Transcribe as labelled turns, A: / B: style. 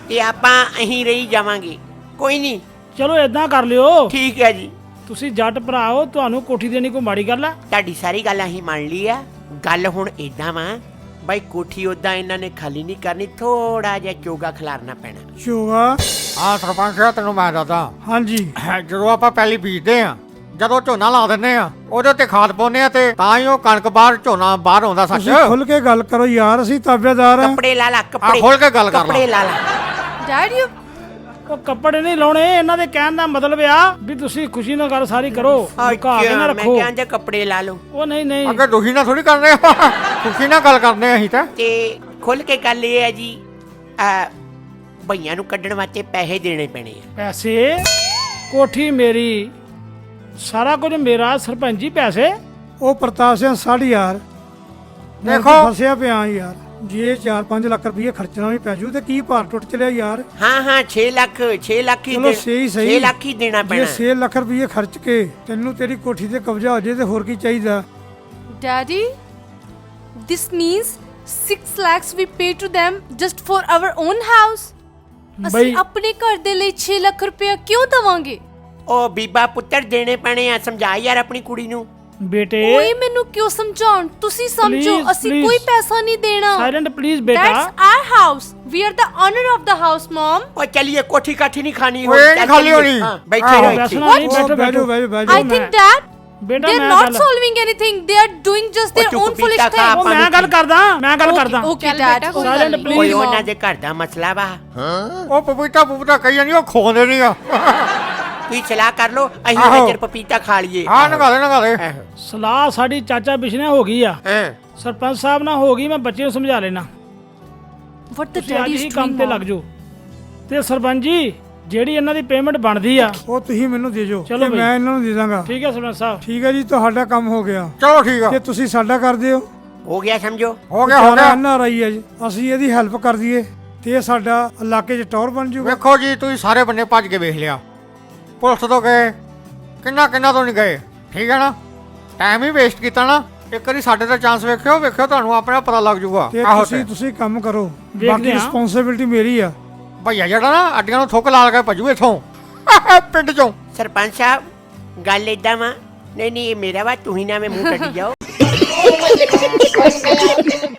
A: ਤੇ ਆਪਾਂ ਅਹੀਂ ਰਹੀ ਜਾਵਾਂਗੇ। ਕੋਈ ਨਹੀਂ,
B: ਚਲੋ ਏਦਾਂ ਕਰ ਲਿਓ,
A: ਠੀਕ ਹੈ ਜੀ।
B: ਤੁਸੀਂ ਜੱਟ ਭਰਾ ਹੋ, ਤੁਹਾਨੂੰ ਕੋਠੀ ਦੇਣੀ ਕੋਈ ਮਾੜੀ ਗੱਲ ਆ?
A: ਤੁਹਾਡੀ ਸਾਰੀ ਗੱਲ ਅਸੀਂ ਮੰਨ ਲਈ ਆ। ਗੱਲ ਹੁਣ ਏਦਾਂ ਵਾ ਬਾਈ, ਕੋਠੀ ਉਦਾਂ ਇਹਨਾਂ ਨੇ ਖਾਲੀ ਨਹੀਂ ਕਰਨੀ, ਥੋੜਾ ਜਿਹਾ ਚੋਗਾ ਖਿਲਾਰਨਾ ਪੈਣਾ।
C: ਚੋਗਾ?
D: ਹਾਂ ਸਰਪੰਚ ਸਾਹਿਬ, ਤੈਨੂੰ ਮੈਂ ਦੱਸਦਾ।
C: ਹਾਂਜੀ।
D: ਜਦੋਂ ਆਪਾਂ ਪਹਿਲੀ ਬੀਜਦੇ ਆ, ਜਦੋਂ ਝੋਨਾ ਲਾ ਦਿੰਦੇ ਆ, ਉਹਦੇ ਤੇ ਖਾਦ ਪਾਉਂਦੇ ਆ, ਤੇ ਤਾਂ ਹੀ ਉਹ ਕਣਕ ਬਾਹਰ ਝੋਨਾ ਬਾਹਰ ਆਉਂਦਾ। ਸੱਚ
C: ਤੁਸੀਂ ਖੁੱਲ ਕੇ ਗੱਲ ਕਰੋ ਯਾਰ, ਅਸੀਂ ਤਾਬੇਦਾਰ ਆ।
A: ਕੱਪੜੇ ਲਾ ਲਾ, ਕੱਪੜੇ
D: ਖੋਲ ਕੇ ਗੱਲ ਕਰ ਲਾ।
A: ਕੱਪੜੇ ਲਾ ਲਾ।
E: ਡੈਡੀ
B: ਉਹ ਕੱਪੜੇ ਨਹੀਂ ਲਾਉਣੇ, ਇਹਨਾਂ ਦੇ ਕਹਿਣ ਦਾ ਮਤਲਬ ਆ ਵੀ ਤੁਸੀਂ ਖੁਸ਼ੀ ਨਾਲ ਗੱਲ ਸਾਰੀ ਕਰੋ, ਲੁਕਾ ਕੇ ਨਾ
A: ਮੈਂ
B: ਰੱਖੋ।
A: ਕਹਿੰਦਾ ਕੱਪੜੇ ਲਾ ਲਓ।
B: ਉਹ ਨਹੀਂ
D: ਅੱਗੇ ਦੁਖੀ ਨਾਲ ਥੋੜੀ ਕਰਨੇ, ਖੁਸ਼ੀ ਨਾਲ ਗੱਲ ਕਰਨੇ ਅਸੀਂ ਤਾਂ।
A: ਤੇ ਖੁੱਲ ਕੇ ਗੱਲ ਇਹ ਹੈ ਜੀ, ਭਈਆਂ ਨੂੰ ਕੱਢਣ ਵਾਸਤੇ ਪੈਸੇ ਦੇਣੇ ਪੈਣੇ ਆ।
B: ਪੈਸੇ? ਕੋਠੀ ਮੇਰੀ, ਸਾਰਾ ਕੁਝ ਮੇਰਾ, ਸਰਪੰਚ ਜੀ ਪੈਸੇ?
C: ਉਹ ਪ੍ਰਤਾਪ ਸਿੰਘ ਸਾਡੀ ਯਾਰ,
D: ਦੇਖੋ।
C: ਫਸਿਆ ਪਿਆ ਯਾਰ, ਜੇ 4-5 ਲੱਖ ਰੁਪਏ ਖਰਚਣਾ ਵੀ ਪੈ ਜੂ ਤੇ ਕੀ ਭਾਰ ਟੁੱਟ ਚਲਿਆ ਯਾਰ।
A: ਹਾਂ 6 ਲੱਖ ਹੀ
C: ਚਲੋ ਸਹੀ
A: 6 ਲੱਖ ਹੀ ਦੇਣਾ
C: ਜੇ
A: ਪੈਣਾ।
C: 6 ਲੱਖ ਰੁਪਏ ਖਰਚ ਕੇ ਤੈਨੂੰ ਤੇਰੀ ਕੋਠੀ ਤੇ ਕਬਜ਼ਾ ਹੋ ਜੇ ਤੇ ਹੋਰ ਕੀ ਚਾਹੀਦਾ?
E: Daddy, this means 6 lakhs we pay to them just for our own house. ਅਸੀਂ ਆਪਣੇ ਘਰ ਦੇ ਲਈ 6 ਲੱਖ ਰੁਪਏ ਕਿਉਂ ਦਵਾਂਗੇ?
A: ਉਹ ਬੀਬਾ ਪੁੱਤਰ ਦੇਣੇ ਪੈਣੇ ਆ, ਸਮਝਾ ਯਾਰ ਆਪਣੀ ਕੁੜੀ ਨੂੰ।
B: ਬੇਟੇ
E: ਓਏ ਮੈਨੂੰ ਕਿਉਂ ਸਮਝਾਉਣ, ਤੁਸੀਂ ਸਮਝੋ। ਅਸੀਂ ਕੋਈ ਪੈਸਾ ਨਹੀਂ ਦੇਣਾ।
B: ਸਾਇਲੈਂਟ ਪਲੀਜ਼ ਬੇਟਾ।
E: That's our house. We are the owner of the house, mom.
A: ਉਹ ਚਲਿਏ, ਕੋਠੀ ਕਾਠੀ ਨਹੀਂ ਖਾਣੀ
D: ਓਏ, ਨਹੀਂ ਖਾਲੀ ਹੋਣੀ।
A: ਬੈਠੇ ਰਹੋ ਇੱਥੇ।
B: ਬੈਠੋ ਬੈਠੋ
C: ਬੈਠੋ।
E: I think that
B: ਬੇਟਾ
E: they're
B: ਮੈਂ
E: not solving anything. They are doing just their
A: ਚੁੱਪ
E: own foolish
A: ਪੀਤਾ ਖਾ।
E: thing.
B: ਉਹ ਮੈਂ ਗੱਲ ਕਰਦਾ
E: Okay, Dad.
B: Silent, please.
A: ਕੋਈ ਉਹਨਾਂ ਦੇ ਘਰ ਦਾ ਮਸਲਾ ਵਾ,
D: ਉਹ ਪਪੀਤਾ ਕਹੀ ਜਾਂਦੀ, ਉਹ ਖੋਦੇ ਨਹੀਂ ਆ।
A: ਤੁਸੀਂ ਸਲਾਹ ਕਰ ਲਓ, ਅਸੀਂ
D: ਆਹੋ।
A: ਨਜ਼ਰ ਪਪੀਤਾ ਖਾ ਲਈਏ।
D: ਹਾਂ ਨਗਾ ਦੇ।
B: ਸਲਾਹ ਸਾਡੀ ਚਾਚਾ ਬਿਸ਼ਨੇ ਹੋ ਗਈ ਆ,
A: ਹਾਂ
B: ਸਰਪੰਚ ਸਾਹਿਬ ਨਾਲ ਹੋ ਗਈ, ਮੈਂ ਬੱਚੇ ਨੂੰ ਸਮਝਾ ਲੈਣਾ।
E: What the
B: ਤੁਸੀਂ ਅੱਜ
E: daddy
B: ਹੀ
E: is
B: ਕੰਮ
E: doing,
B: ਤੇ
E: mom?
B: ਲੱਗ ਜਾਓ। ਤੇ ਸਰਪੰਚ ਜੀ, ਜਿਹੜੀ ਇਹਨਾਂ ਦੀ ਪੇਮੈਂਟ ਬਣਦੀ ਆ,
C: ਉਹ ਤੁਸੀਂ ਮੈਨੂੰ ਦੇ ਜੋ,
B: ਚਲੋ
C: ਤੇ
B: ਬਈ।
C: ਮੈਂ ਇਹਨਾਂ ਨੂੰ ਦੇ ਦਾਂਗਾ।
B: ਠੀਕ ਹੈ ਸਰਪੰਚ ਸਾਹਿਬ?
C: ਠੀਕ ਹੈ ਜੀ, ਤੁਹਾਡਾ ਕੰਮ ਹੋ ਗਿਆ।
D: ਚਲੋ ਠੀਕ ਆ,
C: ਜੇ ਤੁਸੀਂ ਸਾਡਾ ਕਰਦੇ ਹੋ,
A: ਹੋ ਗਿਆ ਸਮਝੋ।
D: ਹੋ ਗਿਆ।
C: NRI ਹੈ ਜੀ, ਅਸੀਂ ਇਹਦੀ ਹੈਲਪ ਕਰ ਦਈਏ ਤੇ ਇਹ ਸਾਡਾ ਇਲਾਕੇ 'ਚ ਟੌਰ ਬਣ ਜਾਊਗਾ।
D: ਵੇਖੋ ਜੀ, ਤੁਸੀਂ ਸਾਰੇ ਬੰਨੇ ਭੱਜ ਕੇ ਵੇਖ ਲਿਆ, ਪੁਲਿਸ ਤੋਂ ਗਏ, ਕਿੰਨਾ ਤੋਂ ਨਹੀਂ ਗਏ। ਠੀਕ ਹੈ ਨਾ, ਟਾਈਮ ਹੀ ਵੇਸਟ ਕੀਤਾ ਨਾ। ਇੱਕ ਵਾਰੀ ਸਾਡੇ ਦਾ ਚਾਂਸ ਵੇਖਿਓ, ਤੁਹਾਨੂੰ ਆਪਣੇ ਆਪ ਪਤਾ ਲੱਗ ਜਾਊਗਾ।
C: ਤੇ ਤੁਸੀਂ ਕੰਮ ਕਰੋ,
B: ਵੇਖਦੇ
C: ਬਾਕੀ
B: ਹਾਂ।
C: ਰਿਸਪੌਂਸਿਬਿਲਟੀ ਮੇਰੀ ਆ।
D: ਭਈਆ ਜਿਹੜਾ ਨਾ ਅੱਡੀਆਂ ਨੂੰ ਥੁੱਕ ਲਾ ਕੇ ਭੱਜੂ ਇੱਥੋਂ ਪਿੰਡ ਚੋਂ।
A: ਸਰਪੰਚ ਸਾਹਿਬ, ਗੱਲ ਏਦਾਂ ਵਾ, ਨਹੀਂ ਇਹ ਮੇਰਾ ਵਾ, ਤੁਸੀਂ ਨਾ ਮੂੰਹ ਕੱਢੀ ਜਾਓ।